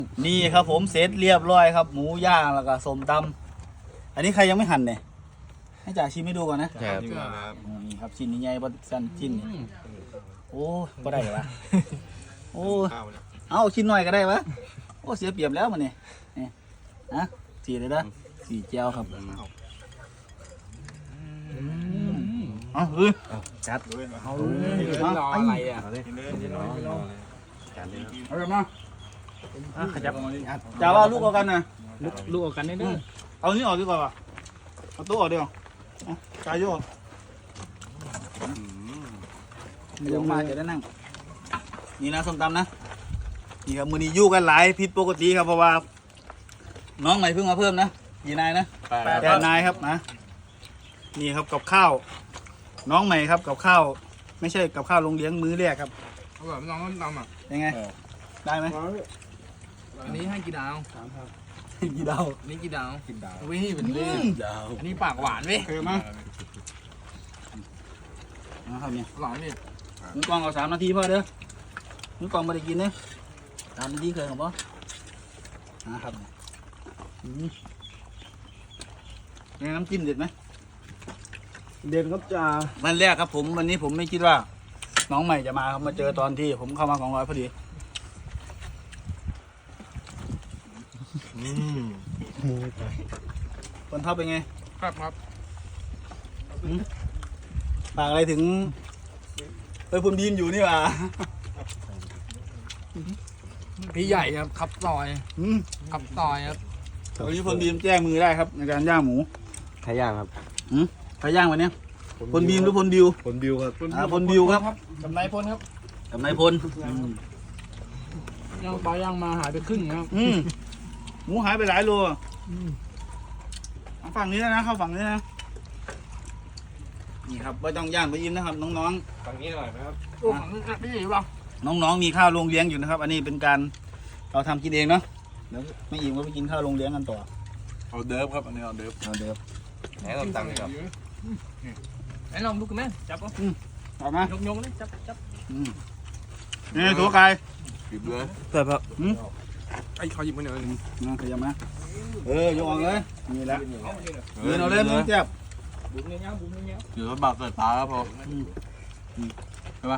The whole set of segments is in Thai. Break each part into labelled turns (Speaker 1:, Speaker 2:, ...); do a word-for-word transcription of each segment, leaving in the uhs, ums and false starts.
Speaker 1: นี่ครับผมเสร็จเรียบร้อยครับหมูย่างแล้วก็ส้มตำอันนี้ใครยังไม่หั่นเนี่ยให้จ่าชิมให้ดูก่อนนะครับ นี่ครับชิ้นใหญ่ๆบนสั้นชิ้นนี่โอ้ก็ได้ละโอ้เอาชิ้นหน่อยก็ได้วะโอ้เสียเปรียบแล้วมันนี่นี่นะสี่เลยนะสี่เจียวครับเอาเฮ้ยจัดเอาเอาอะไรอ่ะเอาเลยเอาเลยมาขยับจ่าว่าลูกเอากันนะลูกลูกเอากันได้ด้วยเอานี่ออกดีกว่าเอาตัวออกดีกว่าจ่ายโยกเดี๋ยวมาจะได้นั่งนี่นะส้มตำนะนี่ครับมือนี้ยู่กันหลายผิดปกติครับเพราะว่าน้องใหม่เพิ่งมาเพิ่มนะกี่นายนะแปดนายครับนะนี่ครับกับข้าวน้องใหม่ครับกับข้าวไม่ใช่กับข้าวโรงเลี้ยงมื้อแรกครับอร่อยน้องต้มตำอ่ะยังไงได้ไหม
Speaker 2: อันนี้ให้กี่ดาวสามครับ
Speaker 1: กี่ดาว
Speaker 2: นี่กี่ดาวกี่ดาววิ่งเป็นเรื่องอันนี้ปากหวานเว้ย
Speaker 1: เคยมั้ยนะครับเนี่ย
Speaker 2: หวานนี่
Speaker 1: มึงกองเอาสามนาทีพอเด้อมึงกองไม่ได้กินเนี่ยสามนาทีเคยหรือเปล่านะครับนี่น้ำจิ้มเด็ดไหม
Speaker 3: เด่นครับจ่า
Speaker 1: วันแรกครับผมวันนี้ผมไม่คิดว่าน้องใหม่จะมาครับมาเจอตอนที่ผมเข้ามาของร้อยพอดีคนเท่าเป็นไง
Speaker 2: ครับครับ
Speaker 1: ฝากอะไรถึงเอ้ยผมดีมอยู่นี่หว่า
Speaker 2: พี่ใหญ่ครับขับซอยขับซอยครับ
Speaker 1: วันนี้พลบีมแจ้งมือได้ครับในการย่างหมู
Speaker 3: ใครย่างครับ
Speaker 1: ใครย่างวันนี้พลบีมหรือพลบิว
Speaker 3: พลบิวครับ
Speaker 1: พลบิวครับ
Speaker 2: กับนายพลครับ
Speaker 1: กับนายพล
Speaker 2: ย่างปลาย่างมาหายไปครึ่งครับ
Speaker 1: หมูหายไปหลายโลฝั่งนี้นะเข้าฝั่งนี้นะนี่ครับไม่ต้องย่างไปยิ้มนะครับน้อง
Speaker 3: ๆฝั่งนี้หน่อยนะครับ
Speaker 2: โอ้ฝั่งนี้พี่ใหญ่ป่ะ
Speaker 1: น้องๆมีข้าวโรงเลี้ยงอยู่นะครับอันนี้เป็นการเราทำกินเองเนาะเดี๋ยวไม่อิ่มก็ไปกินข้าวโรงเลี้ยงกันต่อ
Speaker 3: เอาเดิฟครับอันนี้เอาเดิฟ
Speaker 1: เอาเดิฟ
Speaker 3: ไหนลองตังค์ครับ
Speaker 2: ไหนลองดูกันไหมจับก็
Speaker 1: ต่อมาย
Speaker 2: กยกเลยจับจับ
Speaker 1: นี่ตัวไก่
Speaker 3: หยิบเลย
Speaker 1: เสิร์ฟครับ
Speaker 2: ไอ้เขาหยิบมาหน่อย
Speaker 1: นั่งขยับมาเออยกออกเลยนี่แหละยืนเอาเล่นมึงเจ็บ
Speaker 2: บุ้มเงี้ยบุ้มเงี้ย
Speaker 3: ถือว่าบักใส่ปลาครับพอใช่ปะ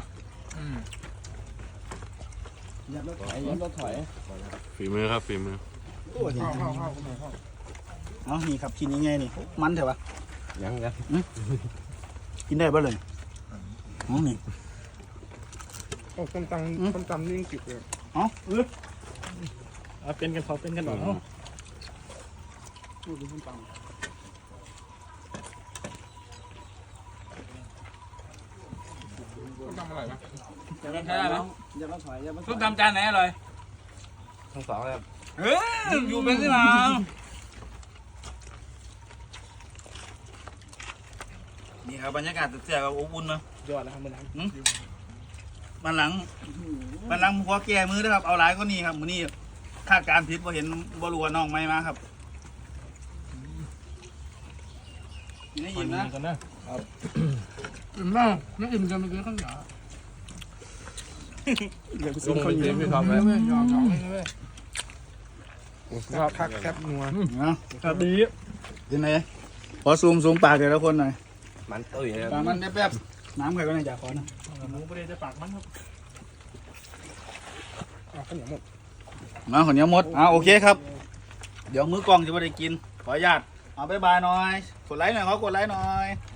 Speaker 2: ยับรถถอยยับรถถอย
Speaker 3: ฝีมือครับฝีมือ
Speaker 2: เข้าเข้าเข้าเข้า
Speaker 1: เอานี่ครับกินยังไงนี่มันเถอะปะ
Speaker 3: ยังไง
Speaker 1: กินได้บ้างเลยอ๋อนี่
Speaker 2: โอ้ต้มตำต้มตำนี่จิ๋วเลย
Speaker 1: อ๋อเออ
Speaker 2: เอาเป็นกันเขาเป็นกันหรอดูต้มตำต้มตำอร่อยปะจะไม่ใช่ไหมจะไม่ถอยจะไม่ต้มตำจานไหนอร่อย
Speaker 3: ทั้งสองเลย
Speaker 1: เฮ้ยอยู่เป็นที่ไหนนี่ครับบรรยากาศเสียกับอบอุ่นนะ
Speaker 2: ยอดนะครับมันหลัง
Speaker 1: มันหลังมันหลังหัวแก่มือนะครับเอาหลายก็นี่ครับมือนี่คาดการผิดว่าเห็นบอลัวน้องไม่มาครับนี่อิ่มนะ
Speaker 2: อิ่มมากไม่อิ่มกันเมื่อกี้ข้างหน้า
Speaker 3: เดี๋ยวซื้อข้าวเหนียวไปทำไหม
Speaker 2: ยอมยอมเลยชอบคักแคบนัว
Speaker 1: นะครับดียังไงขอซูมซูมปากเดี๋ยวละคนหน่อย
Speaker 3: มันตุ้ยนะ
Speaker 1: ปากมันแป๊บๆน้ำใครก็ได้อยากขอนะ
Speaker 2: หมูประเดี๋ยวจะปากมันครับข้าวเหนียวหมด
Speaker 1: มาข้าวเหนียวหมดอ่าโอเคครับเดี๋ยวมื้อกองจะไม่ได้กินขออนุญาตเอาบ๊ายบายหน่อยกดไลค์หน่อยเขากดไลค์หน่อย